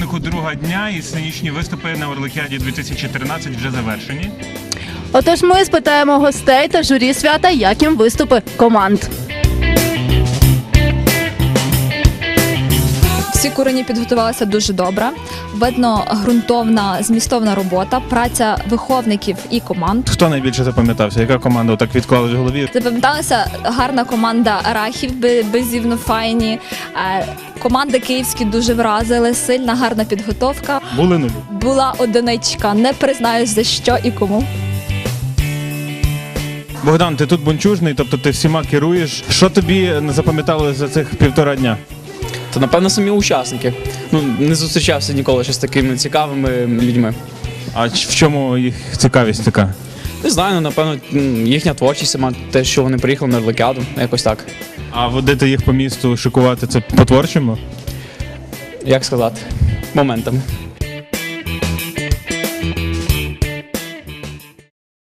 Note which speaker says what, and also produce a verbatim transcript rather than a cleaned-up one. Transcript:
Speaker 1: підсумку другого дня і сценічні виступи на Орликіаді дві тисячі тринадцять вже завершені.
Speaker 2: Отож, ми спитаємо гостей та журі свята, як їм виступи команд.
Speaker 3: Всі курені підготувалися дуже добре. Видно ґрунтовна, змістовна робота, праця виховників і команд.
Speaker 1: Хто найбільше запам'ятався? Яка команда так відклалась в голові?
Speaker 3: Запам'яталася гарна команда Рахів, беззівно файні. Е, Команди київські дуже вразили, сильна, гарна підготовка.
Speaker 1: Були нулі.
Speaker 3: Була одиничка, не признаюсь за що і кому.
Speaker 1: Богдан, ти тут бунчужний, тобто ти всіма керуєш. Що тобі не запам'яталося за цих півтора дня?
Speaker 4: Та, напевно, самі учасники. Ну, не зустрічався ніколи ще з такими цікавими людьми.
Speaker 1: А в чому їх цікавість така?
Speaker 4: Не знаю, ну, напевно, їхня творчість сама, те, що вони приїхали на Орликіаду, якось так.
Speaker 1: А водити їх по місту, шикувати, це по-творчому?
Speaker 4: Як сказати, моментами.